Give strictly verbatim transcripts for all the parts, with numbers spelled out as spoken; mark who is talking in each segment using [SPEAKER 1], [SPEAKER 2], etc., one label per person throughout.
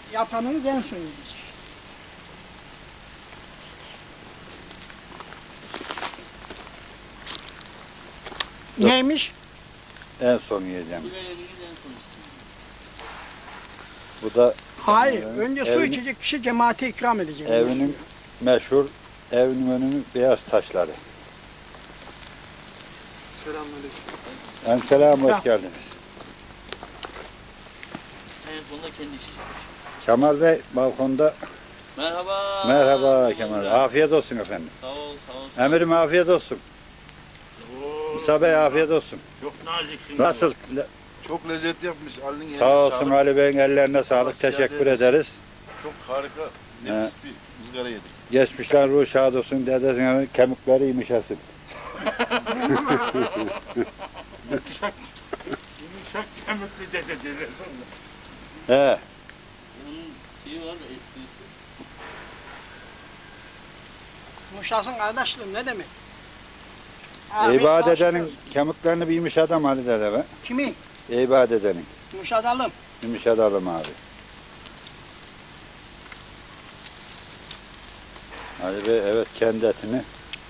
[SPEAKER 1] yapanınız en son yiyecek. Neymiş?
[SPEAKER 2] En son yiyeceğim. Bu da
[SPEAKER 1] Hayır,
[SPEAKER 2] e,
[SPEAKER 1] önce su
[SPEAKER 2] evin-
[SPEAKER 1] içecek kişi cemaate ikram edecek.
[SPEAKER 2] evinin meşhur evinin önünün beyaz taşları.
[SPEAKER 3] Selamünaleyküm.
[SPEAKER 2] Selam, hoş geldiniz.
[SPEAKER 4] En sonunda kendi içecek.
[SPEAKER 2] Kemal Bey balkonda.
[SPEAKER 4] Merhaba.
[SPEAKER 2] Merhaba Kemal Bey. Afiyet olsun efendim.
[SPEAKER 4] Sağ ol, sağ ol.
[SPEAKER 2] Emirim afiyet olsun. Musa Bey afiyet olsun.
[SPEAKER 4] Çok naziksin.
[SPEAKER 2] Nasıl? Le-
[SPEAKER 3] Çok lezzetli yapmış. Ali'nin eline
[SPEAKER 2] Sağ olsun
[SPEAKER 3] sağlık.
[SPEAKER 2] Ali Bey'in ellerine
[SPEAKER 3] Allah
[SPEAKER 2] sağlık.
[SPEAKER 3] ziyade
[SPEAKER 2] Teşekkür
[SPEAKER 3] eylesin.
[SPEAKER 2] ederiz.
[SPEAKER 3] Çok harika, nefis bir ızgara yedik.
[SPEAKER 2] Geçmişler ruh şad olsun. Dedesinin kemikleri yumuşasın.
[SPEAKER 4] Yumuşak kemikli dede derler.
[SPEAKER 2] He.
[SPEAKER 4] Onun şeyi var da esprisi.
[SPEAKER 1] Muşasın kardeşliğim ne demek?
[SPEAKER 2] Eyvah
[SPEAKER 1] Afiyet
[SPEAKER 2] dedenin
[SPEAKER 1] olsun.
[SPEAKER 2] kemiklerini bir yumuşadım Ali dede be.
[SPEAKER 1] Kimi?
[SPEAKER 2] Eyvah dedenin.
[SPEAKER 1] Muşadalım.
[SPEAKER 2] Yumuşatalım abi. Ali Bey evet kendi etini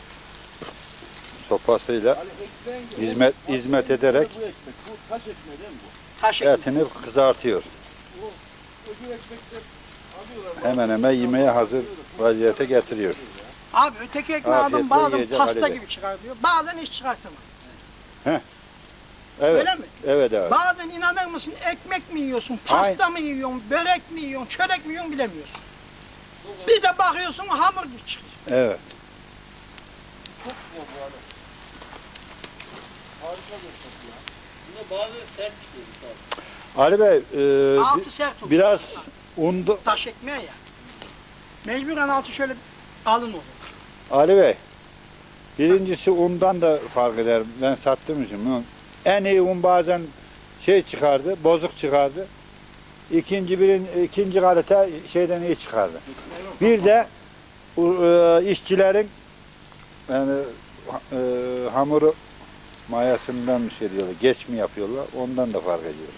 [SPEAKER 2] sopasıyla hizmet hizmet ederek
[SPEAKER 3] Bu ekmek, bu taş ekmeği değil mi bu?
[SPEAKER 1] Taş ekmek.
[SPEAKER 2] etini kızartıyor.
[SPEAKER 3] Öbür ekmekler alıyorlar.
[SPEAKER 2] Hemen hemen yemeğe hazır vaziyete getiriyor.
[SPEAKER 1] Abi öteki ekmeği
[SPEAKER 2] Afiyetle
[SPEAKER 1] aldım bazen
[SPEAKER 2] yiyecek
[SPEAKER 1] pasta
[SPEAKER 2] Ali Bey.
[SPEAKER 1] gibi çıkar diyor. Bazen hiç çıkartamıyor.
[SPEAKER 2] Evet.
[SPEAKER 1] Öyle mi?
[SPEAKER 2] Evet abi.
[SPEAKER 1] Bazen inanır mısın ekmek mi yiyorsun, pasta
[SPEAKER 2] Aynen.
[SPEAKER 1] mı yiyorsun, börek mi yiyorsun, çörek mi yiyorsun bilemiyorsun. Bir de bakıyorsun hamur gibi çıkıyor.
[SPEAKER 2] Evet.
[SPEAKER 3] Çok güzel bu arada. Harika bir tat ya.
[SPEAKER 4] Bunda bazı sert çıkıyor.
[SPEAKER 2] Ali Bey e,
[SPEAKER 1] Altı
[SPEAKER 2] bi-
[SPEAKER 1] sert olur.
[SPEAKER 2] biraz undu.
[SPEAKER 1] Taş ekmeği ya. Mecburen altı şöyle alın olur.
[SPEAKER 2] Ali Bey birincisi undan da fark eder. Ben sattığım için. bunu- En iyi un bazen şey çıkardı, bozuk çıkardı. İkinci birin ikinci kalite şeyden iyi çıkardı. Bir de bu, e, işçilerin yani e, hamuru mayasından bir şey diyorlar. Geç mi yapıyorlar? Ondan da fark ediyor.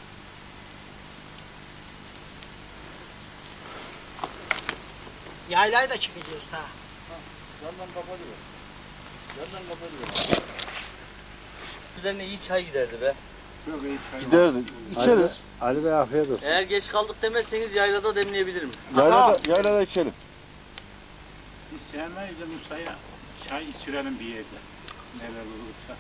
[SPEAKER 1] Yaylayı da çıkacağız ha.
[SPEAKER 3] Yandan kapatıyor. Yandan kapatıyor.
[SPEAKER 4] Üzerine iyi çay giderdi be.
[SPEAKER 3] Çok iyi çay. Giderdi. İçeriz.
[SPEAKER 2] Ali, Ali Bey afiyet olsun.
[SPEAKER 4] Eğer geç kaldık demezseniz yaylada demleyebilirim.
[SPEAKER 3] Yaylada, yaylada içelim.
[SPEAKER 5] Biz sevmeyiz de Musa'ya çay içirelim bir yerde. Neler olursa.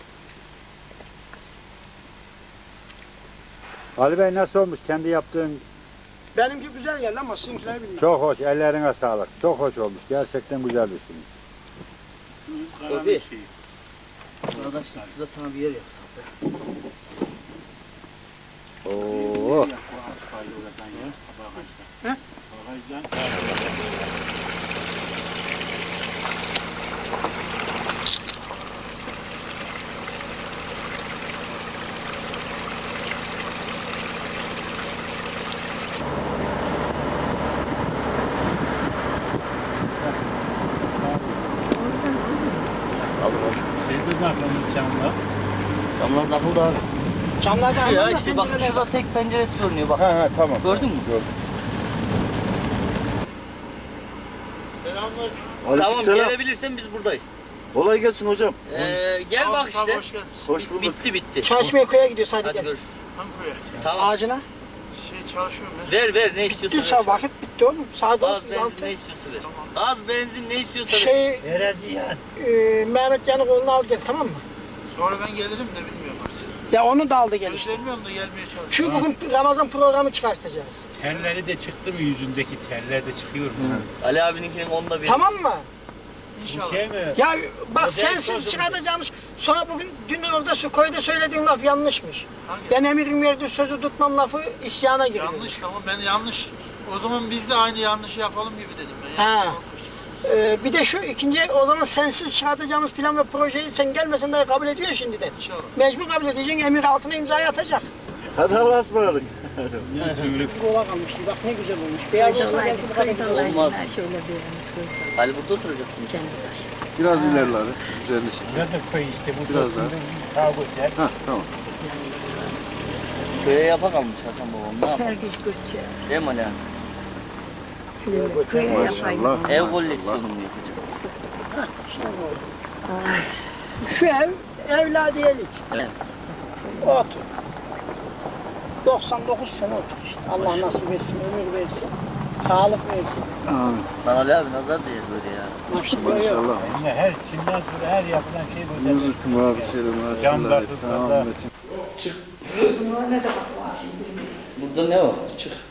[SPEAKER 2] Ali Bey nasıl olmuş? Kendi yaptığın
[SPEAKER 1] Benimki güzel geldi ama sizinkiler bilmiyorum.
[SPEAKER 2] çok hoş. Ellerine sağlık. Çok hoş olmuş. Gerçekten güzel bir şey.
[SPEAKER 5] Şu karanın
[SPEAKER 4] Tabii.
[SPEAKER 5] şeyi.
[SPEAKER 4] Arkadaşlar şurada sana bir yer yapsak be.
[SPEAKER 2] Oo.
[SPEAKER 5] Yap bu asfaltı oradan ya. Bagajdan.
[SPEAKER 1] He?
[SPEAKER 5] Bagajdan. Şeyde de aklımız camda.
[SPEAKER 4] Camlar takıldı abi.
[SPEAKER 1] Camlarda
[SPEAKER 4] Şu ya
[SPEAKER 1] hamur da
[SPEAKER 4] işte bak
[SPEAKER 1] pencereler
[SPEAKER 4] şurada
[SPEAKER 1] var.
[SPEAKER 4] tek penceresi görünüyor bak.
[SPEAKER 3] Ha ha tamam.
[SPEAKER 4] Gördün mü?
[SPEAKER 3] Gördüm. Selamlar.
[SPEAKER 4] Tamam
[SPEAKER 3] Aleykümselam.
[SPEAKER 4] gelebilirsen biz buradayız.
[SPEAKER 3] Kolay gelsin hocam.
[SPEAKER 4] Ee, gel bak işte.
[SPEAKER 3] Hoş
[SPEAKER 4] Bit-
[SPEAKER 3] bulduk.
[SPEAKER 4] Bitti bitti.
[SPEAKER 1] Çay içmeye köye gidiyoruz hadi,
[SPEAKER 4] Hadi
[SPEAKER 1] gel.
[SPEAKER 4] görüşürüz.
[SPEAKER 3] Ankara'ya.
[SPEAKER 4] Tamam.
[SPEAKER 1] Ağacına.
[SPEAKER 3] Şey çalışıyorum ben.
[SPEAKER 4] Ver ver ne istiyorsan
[SPEAKER 1] Bittiyse
[SPEAKER 4] ver.
[SPEAKER 1] vakit bitti oğlum. Saat
[SPEAKER 4] Gaz
[SPEAKER 1] olsun
[SPEAKER 4] benzin
[SPEAKER 1] altı.
[SPEAKER 4] ne istiyorsa ver. Gaz benzin ne istiyorsa ver.
[SPEAKER 1] Şey, e, Mehmet Yanık oğlunu al gel tamam mı?
[SPEAKER 3] Sonra ben gelirim de bilmiyorum artık.
[SPEAKER 1] Ya onu da aldı gel işte.
[SPEAKER 3] Gözlermiyorum da gelmeye çalışıyorum.
[SPEAKER 1] Çünkü bugün Ramazan programı çıkartacağız.
[SPEAKER 5] Terleri de çıktı mı yüzündeki terler de çıkıyor mu?
[SPEAKER 4] Ali abininkinin onda bir.
[SPEAKER 1] Tamam mı?
[SPEAKER 3] İnşallah.
[SPEAKER 5] Şey mi?
[SPEAKER 1] Ya bak
[SPEAKER 4] Modern
[SPEAKER 1] sensiz
[SPEAKER 4] çözüm.
[SPEAKER 1] çıkartacağımız. Sonra bugün dün orada su koyda söylediğin laf yanlışmış.
[SPEAKER 3] Hangi?
[SPEAKER 1] Ben emirin verdiği sözü tutmam lafı isyana giriyor.
[SPEAKER 3] Yanlış tamam ben yanlış. O zaman biz de aynı yanlışı yapalım gibi dedim ben.
[SPEAKER 1] Ha.
[SPEAKER 3] Yani.
[SPEAKER 1] Ee, bir de şu ikinci o zaman sensiz çıkartacağımız plan ve projeyi sen gelmesen de kabul ediyor şimdiden.
[SPEAKER 3] İnşallah.
[SPEAKER 1] Mecbur kabul edeceksin, emir altına imzayı atacak.
[SPEAKER 3] Hadi Allah'a ısmarladık.
[SPEAKER 1] Kola kalmıştı, bak ne güzel olmuş. Beyaz olsa belki bu kadar güzel olmaz.
[SPEAKER 4] Olmaz.
[SPEAKER 6] Şöyle bir yanımız koyalım.
[SPEAKER 4] Ali burada oturacaksın.
[SPEAKER 3] Biraz ilerlere. Üzerine şey.
[SPEAKER 5] Burada da koy işte bu
[SPEAKER 3] Biraz daha.
[SPEAKER 5] daha güzel.
[SPEAKER 3] Ha tamam.
[SPEAKER 4] Köye yapakalmış Hasan babam ne yapalım?
[SPEAKER 6] Her güç güç ya.
[SPEAKER 4] Değil mi Ali abi?
[SPEAKER 1] Filmde köye yapayım.
[SPEAKER 6] Maşallah.
[SPEAKER 4] Ev
[SPEAKER 6] maşallah.
[SPEAKER 4] koleksiyonu mu yapacağız?
[SPEAKER 1] İşte bu. Şu ev evladiyelik.
[SPEAKER 4] Evet.
[SPEAKER 1] Otur. doksan dokuz sene otur işte. Allah nasip etsin, ömür versin. Sağlık versin.
[SPEAKER 6] Amin.
[SPEAKER 4] Bana Ali abi nazar değer böyle ya.
[SPEAKER 1] Nasip veriyor.
[SPEAKER 6] Maşallah.
[SPEAKER 5] Yani her Çin'den sonra her yapılan şey güzel.
[SPEAKER 6] Rızıkım abi selam.
[SPEAKER 5] Camlar,
[SPEAKER 6] Tamam.
[SPEAKER 5] tuzlarda.
[SPEAKER 4] Burada ne o? Çık.